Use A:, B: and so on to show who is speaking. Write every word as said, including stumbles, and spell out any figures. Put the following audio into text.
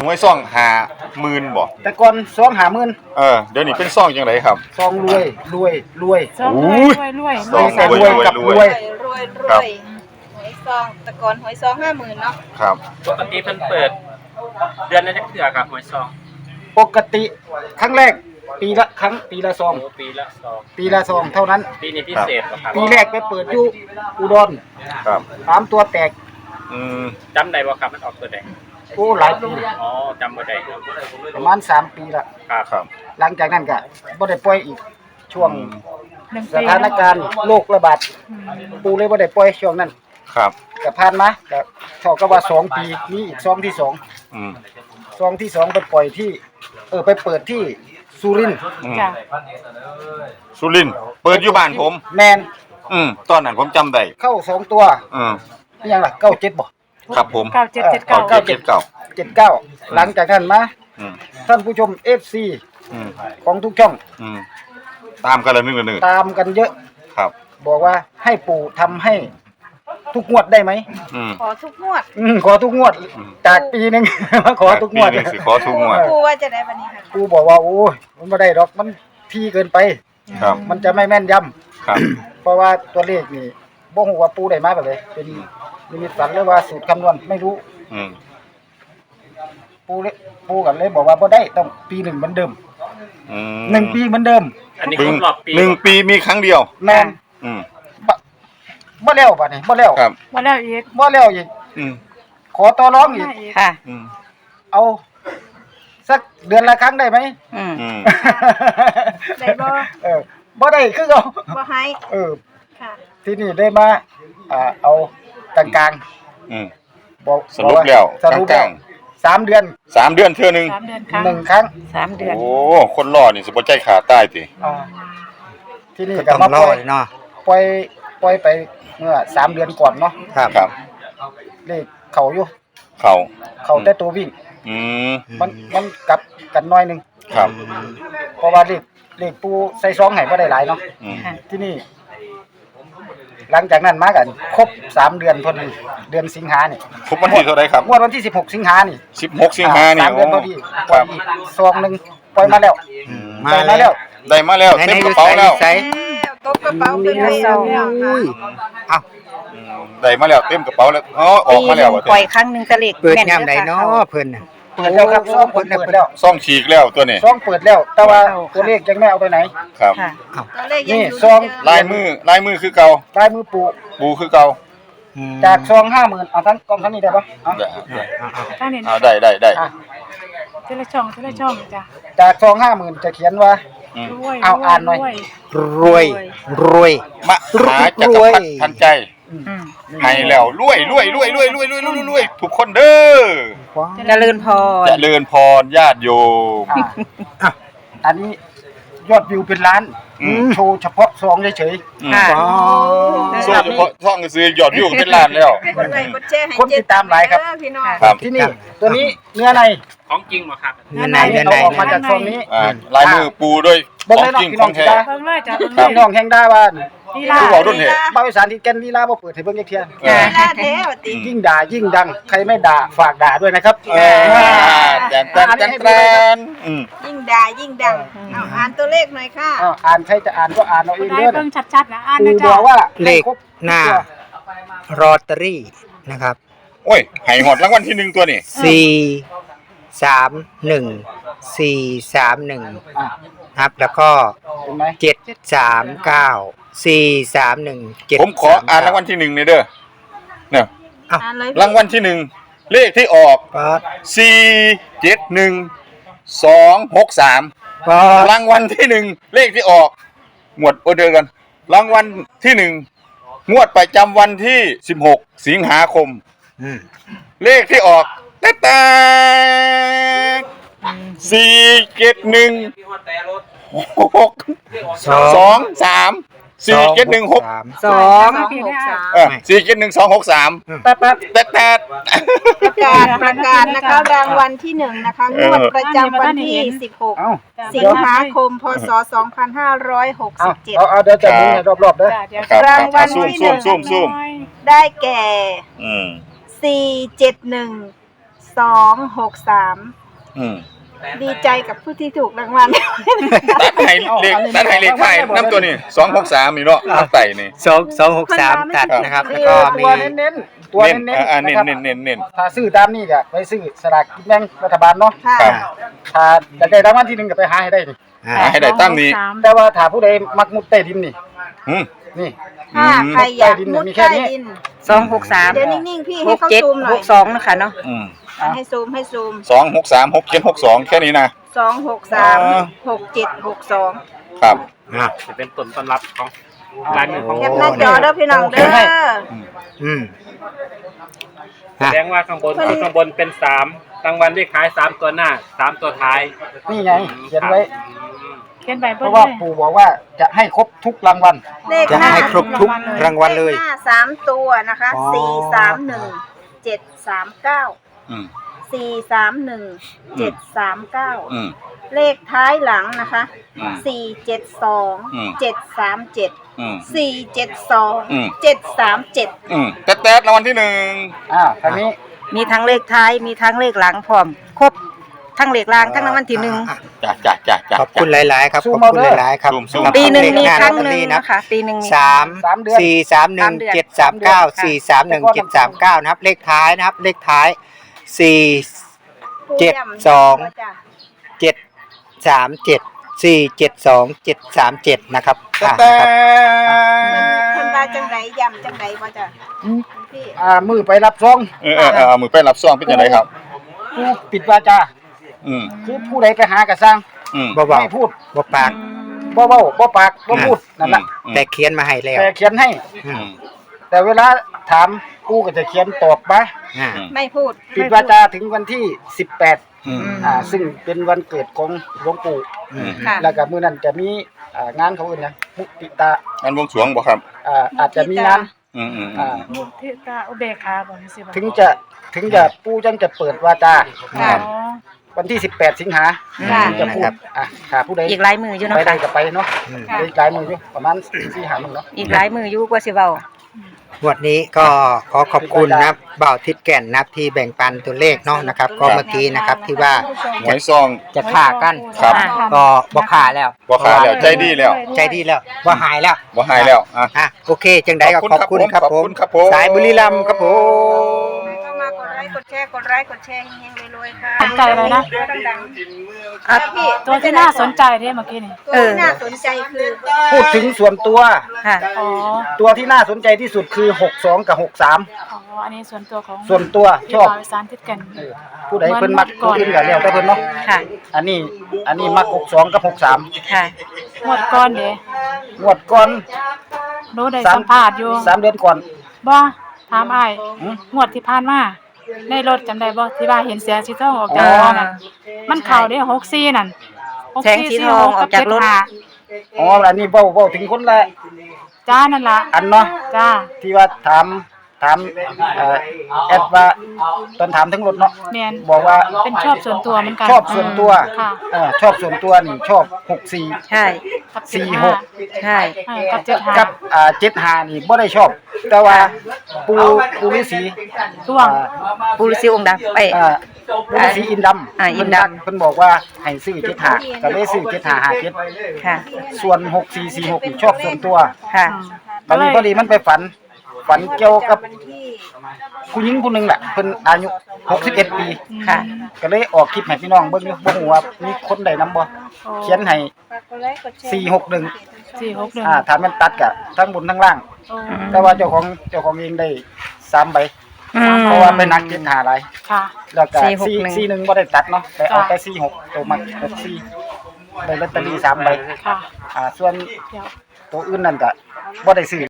A: หวยซ่องห้าหมื่นบ่
B: แต่ก่อนซองห้าหมื่น
A: เออเดี๋ยวนี้เป็นซ่องจังไดครับ
B: ซองรวยรวยรวย
C: ซองรวยรวยรวย
A: ซองรวยรวยกับรวย
D: รวยรวยหวยซองแต่ก่อนหวยซองห้าหมื่นเนาะ
A: ครับ
E: ปกติเพิ่นเปิดเดือนละจักเทื่อครับหวยซอง
B: ปกติครั้งแรกปีละครั้งปีละซอง
E: ปีละซอง
B: ปีละซองเท่านั้น
E: ปีนี้พิเศษบ่ครับ
B: ปีแรกไปเปิดอยู่อุดร
A: ครับ
B: สามตัวแตก
A: อืม
E: จำได้บ่ครับมันออกตัวใด
B: โอ้หลายปี
E: อ๋อจำบ่ได้
B: ประมาณสามปีละ
E: ครับ
A: ครับ
B: หลังจากนั้นก็บ่ได้ปล่อยอีกช่วง
C: หนึ่ง
B: ส
C: ปี
B: ถานการณ์โรคระบาดปูเลยบ่ได้ปล่อยช่วงนั้น
A: ครับ
B: ก็ผ่านมาก็เท่ากับว่าสองปีมีอีกซองที่สอง
A: อืม
B: ซองที่สองไปปล่อยที่เออไปเปิดที่สุรินทร์
C: จ้ะ
A: สุรินทร์เปิดอยู่บ้านผม
B: แมน
A: อืมตอนนั้นผมจำได้
B: เข้าสองตัว
A: อืม
B: นี่ยังล่ะเก้าเจ็ดบ่
A: ครับผม
C: เก้าเจ็ดเจ็ดเก้า
A: เก้าเจ็ดเก้า
B: เจ็ดเก้าหลังจากนั้นมา
A: อืม
B: ท่านผู้ชม เอฟ ซี
A: อืม
B: ของทุกช่อง
A: อืมตามกันเลยนึงนึง
B: ตามกันเยอะ
A: ครับ
B: บอกว่าให้ปู่ทำให้ทุกงวดได้ไหม
A: อืม
D: ขอทุกงวด
B: อืมขอทุกงวดจากปีนึงมาขอทุกงวด
A: ปีนึงสิขอทุกงวด
D: ครูว่าจะได้บัดนี้ค่ะ
B: ปู่บอกว่าโอ้ยมันบ่ได้ดอกมันที่เกินไป
A: ครับ
B: มันจะไม่แม่นยำ
A: ครับ
B: เพราะว่าตัวเลขนี่บ่ฮู้ว่าปู่ได้มาแบบใดเป็นนิมิตฝันหรือว่าสูตรคำนวณไม่รู้
A: อืม
B: ปู่เลยปู่กันเลยบอกว่าบ่ได้ต้องปีหนึ่งเหมือนเดิม
A: อืม
B: หนึ่งปีเหมือนเดิม
E: อันนี้ครบรอบปี
A: หนึ่งปีมีครั้งเดียว
B: แม่น
A: อืม
B: บ่บ่แล้วบัดนี้บ่แล้ว
A: ครับ
C: บ่แล้วอีก
B: บ่แล้วอีก
A: อืม
B: ขอต่อรองอีก
C: ค่ะ
A: อืม
B: เอาสักเดือนละครั้งได้ไหม
C: อืม
A: อืม
D: ได้บ่
B: เออบ่ได้คือเอา
D: บ่ให้
B: เออ
D: ค่ะ
B: ที่นี่ได้มาอ่าเอากลาง
A: ๆอืม
B: ๆบอก
A: สรุปแล้ว
B: สรุป
A: กลาง
B: สามเดือน
A: สามเดือนเทื่อนึง
C: สามเดือนครั้ง
B: หนึ่งครั้ง
C: สามเดือน
A: โอ้คนรอนี่สิบ่ใจขาดตายติ
B: อ่าที่นี่
F: ก็
B: ก็
F: ต้อ
B: มาง ป
F: ร
B: ล่
F: อ
B: อย
F: เนาะ
B: ปล่อยปล่อยไปเมื่อสามเดือนก่อนเนาะ
F: ครับ
A: ครับ
B: เลขเขาอยู่
A: เขา
B: เขาแต่ตัววิ่ง
A: อืม
B: มันมันกลับกันน้อยหนึง
A: ครับ
B: เพราะว่าเลขเลขปูใส่ซองให้บ่ได้หลายเนาะ
A: อืม
B: ที่นี่ หลังจากนั้นมากันครบสามเดือนพอดีเดือนสิงหานี่
A: ครบวันที่เท่าไหร่ครับ
B: งวดวันที่สิบหกสิงหานี่
A: สิบหกสิงหานี่
B: สามเดือนพอดีป
A: ค
B: ล่อ
A: รั
B: ย
A: บ
B: อีกซองหนึงปล่อยมาแล้ว
F: มา
B: ปล่อยมา
F: แล้
B: แล้ว ว
A: ได้มาแล้วเต็มกระเป๋าแล้ว
F: ใส่
D: แล้วตบกระเป๋าเป็นไปแล้วค่ะ
F: อุ้ยเอ้า
A: อืมได้มาแล้วเต็มกระเป๋าแล้วอ๋อออกมาแล้วว่ะ
C: ปล่อยครั้งหนึงตะเล็ก
F: เปิดยามใดเนาะเพิ่นน่ะ
B: เปิดแล้วครับซองเปิดแล้ว
A: ซ่องฉีกแล้วตัวนี้
B: ซองเปิดแล้ว แต่ว่าตัวเลขยังไม่เอาไปไหน
A: ครับ
C: ค่ะ
D: ตัวเลขยัง
B: นี่
D: อยู่
B: ซอง
A: ลายมือลายมือคือเก่า
B: ลายมือปู
A: ปูคือเก่า
F: อืม
B: จากซองห้าหมื่นเอาทั้งกองทั้งนี้ได้ปะเอา
A: ได้
C: ข้างนี้
A: เอาได้ได้ได้
B: อ่ะ
C: ทีละช่องทีละช่องจ้ะ
B: จากซองห้าหมื่นจะเขียนว่า
A: อืม
C: รวย
B: เอาอ่านหน่อย
C: รวย
F: รวยรวย
A: มหาจักรพรรดิทันใจ
C: อืม
A: ให้แล้วรวยรวยรวยรวยรวยรวยรวยรวยทุกคนเด้อ
C: เจริญพร
A: เจริญพรญาติโยม
B: อ่ะอ่ะอันนี้ยอดวิวเป็นล้าน
A: อืม
B: โชว์เฉพาะซองเฉย
A: อืม
C: ค่ะ
F: อ๋อ
A: ส่วนเฉพาะช่องซื้อยอดวิวเป็นล้านแล้ว
D: ให้กดไลค์กดแชร์ให้
B: คนติดตามหลายครับ
D: เด้อพี่น้อง
A: ครับ
B: ๆที่นี่ตัวนี้เนื้อใน
E: ของจริงบ่ครับ
F: เงินไหนเงิน
B: เอา
F: ไหน
B: ออกมาจากซองนี้
A: อ่าลายมือปูด้วย
B: เบิ่ง
A: ขอ
B: เล
A: ง
B: ยเนาะ
A: จริง
B: พี่
A: ข
B: น้อ
A: อง ง
B: สิ
A: แท้
B: ดา
C: เบิ่งเลยจ้ะเบิ่ง
A: ครับ
C: เลย
B: พี่น้องแห่งดาว่า
C: ลีลา
A: ผู้บอกรุ่นเหตุ
B: บ้าวิสานที่แก่นลีลาบ่เปิดให้เบิ่งจักเที่ย
A: เออ
D: เวลาแท้ว่าติ
B: ยิ่งด่ายิ่งดัง ใครไม่ด่าฝากด่าด้วยนะครับ
A: เออแตนแตนแตนแตนอืม
D: ยิ่งด่ายิ่งดังเอาอ่านตัวเลขหน่อยค่ะ
B: อ้าวอ่านใครจะอ่านก็อ่านเอาเอง
C: ได้
B: เด้อ
C: เบิ่งชัดๆนะอ่าน
B: ปู
C: นะ
B: บ
C: จ้ะ
B: อกว่า
F: เลข
B: ให้ครบ
F: หน้า รอตเตอรี่นะครับ
A: โอ้ยให้หอดรางวัลที่หนึ่งตัวนี่
F: สี่สามหนึ่งสี่สามหนึ่ง
B: อ่ะ
F: ครับ แล้วก็
B: เห็นไหม
F: เจ็ดสามเก้าสี่สามหนึ่งเจ็ด
A: ผมขออ่านรางวัลที่หนึ่งเลยเด้อเนี่ย
D: อ่านเลย
A: รางวัลที่หนึ่งเลขที่ออก
F: ป๊อด
A: สี่เจ็ดหนึ่งสองหกสาม
F: ป๊อด
A: รางวัลที่หนึ่งเลขที่ออกหมวดโอเดอร์กันรางวัลที่หนึ่งงวดประจำวันที่สิบหกสิงหาคม
F: อืม
A: เลขที่ออกแต๊ะสี่เจ็ดหนึ่งหก
F: สอง
A: สองสามสี่เจ็ดหนึ่งหก
F: สาม
C: สอง
D: หกสาม
A: เออสี่เจ็ดหนึ่งสองหกสาม
B: แป๊บแป๊บ
A: แต๊ะแต๊ะ
D: ประกาศประกาศนะคะรางวัลที่หนึ่งนะคะงวดประจำวันที่สิบหก
B: เอ้า
D: สิงหาคมพศสองพันห้าร้อยหก
B: เอา
D: สิบเจ็ด
B: เอาเอาเดี๋ยวจะมึงให้รอบๆเด้อ
C: จ้ะเดี๋ยว
A: ครับ
D: รางวัล
A: ซูม
D: ที่
A: ซูมซูมซูม
D: ได้แก่
A: อืม
D: สี่เจ็ดหนึ่งสองหกสาม
A: อืม
D: ดีใจกับผู้ที่ถูกรางวัล
A: ตัดให้เลขตัดให้เลขไทายน้ำตัวนี้สองหกสามนี่เนาะน้ำไต่นี่
F: สองสองหกสามตัดนะครับแล้วก็มี
B: ตัวเน้นๆตัว
A: เน้น
B: เน้น
A: อ่า
B: ๆ
A: เน้น
B: นะครับ
A: เน้นเน้นเน้น
B: ถ้าซื้อตามนี้ก็ไปซื้อสลากกินแบ่งรัฐบาลเนาะ
D: ค่ะ
A: ครับ
B: ถ้าอยากได้รางวัลที่หนึ่งก็ไปหาให้ได้นี่
F: อ่า
A: หาให้ได้ตั้งนี้
C: สาม
B: แต่ว่าถ้าผู้ใดมักมุดใต้ดินนี่
A: อืม
B: นี่
D: ถ้าใครอยากมุด
B: มีแค่
D: ใต้
B: นี้
D: ดิน
G: สองหกสาม
D: เดี๋ยวนิ่งๆพี่
G: ห
D: ให้
G: ก
D: เขา
G: เจ็ด
D: ซูมหน่
G: ห
D: อย
G: กสองนะคะเนาะ
A: อืม
D: อ่ะให้ซูมให้ซูม
A: สองหกสามหกเจ็ดหกสองแค่นี้นะ
D: สองหกสาม
A: อ่า
D: หกเจ็ดหกสอง
A: ครับ
F: อ่ะ
E: จะเป็นต้นตำรับของลายมือของ
D: แคปหน้าจอเด้อพี่น้องเด้อ
F: อืม
E: แสดงว่าข้างบนข้างบนเป็นสามรางวัลเลขท้ายสามตัวหน้าสามตัวท้าย
B: นี่ไงเขียนไว้
C: เขียนใบ
B: เพ
C: เบิ้ล
B: ราะ
C: เล
B: ว่าย ปู่บอกว่าจะให้ครบทุกรางวัล
D: เลข
F: จะ
D: หน้า
F: ให้ครบทุกรางวัลเลย
D: ขหน้าสามตัวนะคะ
F: อ๋อ
D: สี่สามหนึ่งเจ็ดสามเก้า
A: อืม
D: สี่สามหนึ่งเจ็ดสามเก้า
A: อืม
D: เลขท้ายหลังนะคะ
A: อืม
D: สี่เจ็ดสอง
A: อืม
D: เจ็ดสามเจ็ด
A: อืม
D: สี่เจ็ดสอง
A: อืม
D: เจ็ดสามเจ็ด
A: อืมแต๊ดๆรางวัลที่หนึ่ง
B: อ่าทางนี้
G: มีทั้งเลขท้ายมีทั้งเลขหลังพร้อมครบทั้งเลขล่างทั้งรางวัลที่หนึ่ง
A: จ้ะจ้ะจ้ะจ้ะ
F: ขอบคุณหลาย ๆ ครับ
B: ซู
F: ข
B: ม
F: อบ
B: เอา
F: คุณ
B: เด้อ
F: หลาย ๆ ครับ
A: ซูมซูม
F: สำรับ
G: ปีหนึ่งมี
F: เลข
G: ครั้ง
F: ลอต
G: ห
F: เตอ
G: นึ่ง
F: นะ
G: นะคะปีหนึ่งมี
F: สาม
B: สามเดือน
F: สี่สามหนึ่งเจ็ดสามเก้าสี่สามหนึ่งเจ็ดสามเก้านะครับ เลขท้ายนะครับ เลขท้ายสี่เจ็ดสองเจ็ดสามเจ็ดสี่เจ็ดสองเจ็ดสามเจ็ดนะครับอ่ะ
A: แต๊
F: นะครับ
D: เพิ่นว่าจังไดย่ำจังไดบ่จ้ะพี่
B: อ่ามือไปรับซอง
A: เออเออเออเอามือไปรับซองเป็นยังไงครับ
B: ผู้ปิดวาจา
A: อืม
B: คือผู้ใดไปหากระซัง
A: อืม
F: บ่เบา
B: ไม่พูด
F: บ่ปาก
B: บ่เบ้าบ่ปากบ่พูดนั่นแหละ
A: อืม
F: แต่เขียนมาให้แล้ว
B: แต่เขียนให้
F: อื
A: อื
F: ม
A: ม
B: แต่เวลาถามกูก็จะเขียนตอบมา
F: อ่า
A: อืม
D: ไม่พูด
B: ปิดวาจาถึงวันที่สิบแปด
A: อืม
B: อ่าซึ่งเป็นวันเกิดของหลวงปู่
A: อืม
D: ค่ะ
B: แล้วก็มื้อนั้นจะมีอ่างานเขาเอิ้นหยังมุติตา
A: อันวงสรวงบ่ครับ
B: อ่าอาจจะมีงาน
A: อืมอืมอื
B: อ่าม
C: มุทิตาอุเบกขาบอกสิบ่
B: ถึงจะถึงจะปู่จังจะเปิดวาจา
D: ค่ะ
C: อ๋อ
B: วันที่สิบแปดสิงหา
D: ค่ะ
B: ถึงจะพูดอ่ะถ้าผู้ใด
G: อีกหลายมืออยู่
B: ไป
G: เนาะ
B: ได้
G: ค่ะ
B: ก็ไปเนาะ
F: อืม
D: ค่ะ
B: ได้หลายมืออยู่ประมาณสี่ห้ามื้อเนาะ
G: อีกหลายมืออยู่กว่าสิเว้า
F: งวดนี้ก็ขอขอบคุณนะครับบ่าวทิดแก่นนะครับที่แบ่งปันตัวเลขเนาะนะครับ ก็เมื่อกี้นะครับที่ว่า
A: หวยซอง
F: จะฆ่ากัน
A: ครับ
F: ก็บ่ฆ่าแล้ว
A: บ่ขาแล้วใจดีแล้ว
F: ใจดีแล้วบ่หายแล้ว
A: บ่หายแล้วอ่ะ
F: อ่ะโอเคจังใดก็ขอบคุณครับ
A: ขอบ
F: ผ
A: คุ
F: ม
A: ณครับผม
F: สายบุรีรัมย์ครับผม
D: เข้ามากดไลค์กดแชร์กดไลค์กดแชร์เฮงๆรวยๆค่ะ
C: สนใจเลยนะ
D: ดัง
G: อ่ะ
D: ๆพี่
C: ตัวที่น่าสนใจที่เมื่อกี้นี่
D: ตัวที่น่าสนใจคือ
B: พูดถึงส่วนตัว
G: ค่ะ
C: อ๋อ
B: ตัวที่น่าสนใจที่สุดคือหกสองกับหกสาม
C: อ๋ออันนี้ส่วนตัวของ
B: ส่วนตัวช
C: ที่
B: อบ
C: บ่าวอีสานทิศกัน
B: เออผู้ใดเพิ่นมักผู้อื่นก็แล้วแต่เพิ่นเนาะ
G: ค่ะ
B: อันนี้อันนี้มักหกสองกับหกสาม
G: ค่ะ
C: หมดก่อนเด้
B: งวดก่อน
C: หนูได้
B: สาม
C: สัมภาษณ์อยู่
B: สามเดือนก่อน
C: บ่ถามอ้าย
B: หืม
C: งวดที่ผ่านมาในรถจำได้บ่ที่ว่าเห็นเสียสีทองออก
G: อ๋
C: จาก
G: อ
C: รถนั่นมันเข้าเด้หกสี่นั่นหก
G: แสงสีทองออกจากรถ
C: เจ็ดห้
B: อ๋ออันนี้เว้าเว้าถึงคนละ
C: จ้านั่นล่ะ
B: อันเนาะ
C: จ้า
B: ที่ว่าถามถามเอ่อแอดว่าตอนถามทั้งรถเนาะ
C: แม่น
B: บอกว่า
C: เป็นชอบส่วนตัวเหมือนกัน
B: ชอบส่วนตัว
C: ค่ะ
B: เออชอบส่วนตัวนี่ชอบหกสี่
G: ใช่
C: กับ
B: สี่
C: เจ็ด
B: ห
C: ห้าก
G: ใช่
C: เออกับเจ็ดห้า
B: กับอ่าเจ็ดห้านี่บ่ได้ชอบ แต่ว่าปูปูฤาษี
C: ช่วง
B: อ่า
G: ปูฤาษีองค์ดำไป
B: อ่าปูฤาษีอินดำ
G: อ่าอินดำ
B: เพิ่นบอกว่าให้ซื้อเจ็ดห้าก็เลยซื้อเจ็ดห้าห้าเจ็ด
G: ค่ะ
B: ส่วนหกสี่สี่หกนี่ชอบส่วนตัว
G: ค่ะ
B: ตอนนี้พอดีมันไปฝัน ฝันเกี่ยวกับ
D: วันที่
B: ผู้หญิงคนหนึงแหละเพิ่นอายุหกสิบเอ็ดปี
G: ค่ะ
B: ก็เลยออกคลิปให้พี่น้องเบิ่งอยู่บ่ฮู้ว่ามีคนใดนำบ่เขียนให้
D: ฝากกดไลค์กดแชร์
B: สี่หกหนึ่ง
C: สี่หกหนึ่ง
B: อ่าถ้ามันตัดก็ทั้งบนทั้งล่าง
C: โอ้
B: แต่ว่าเจ้าของเจ้าของเองได้สามใบ
G: อืม
B: เพราะว่าไปนักเจ็ดห้าหลาย
C: ค่ะ
B: แล้วก็
G: สี่หก
B: สี่
G: หนึ่ง
B: สี่หนึ่งบ่ได้ตัดเนาะไปเอา
C: จ้ะ
B: แต่สี่หกตัวมักหกสี่ได้ลอตเตอรี่สามใบ
C: ค่ะ
B: อ่าส่วน
C: เดี๋ยว
B: ตัวอื่นนั่นก็บ่ได้ซื้อ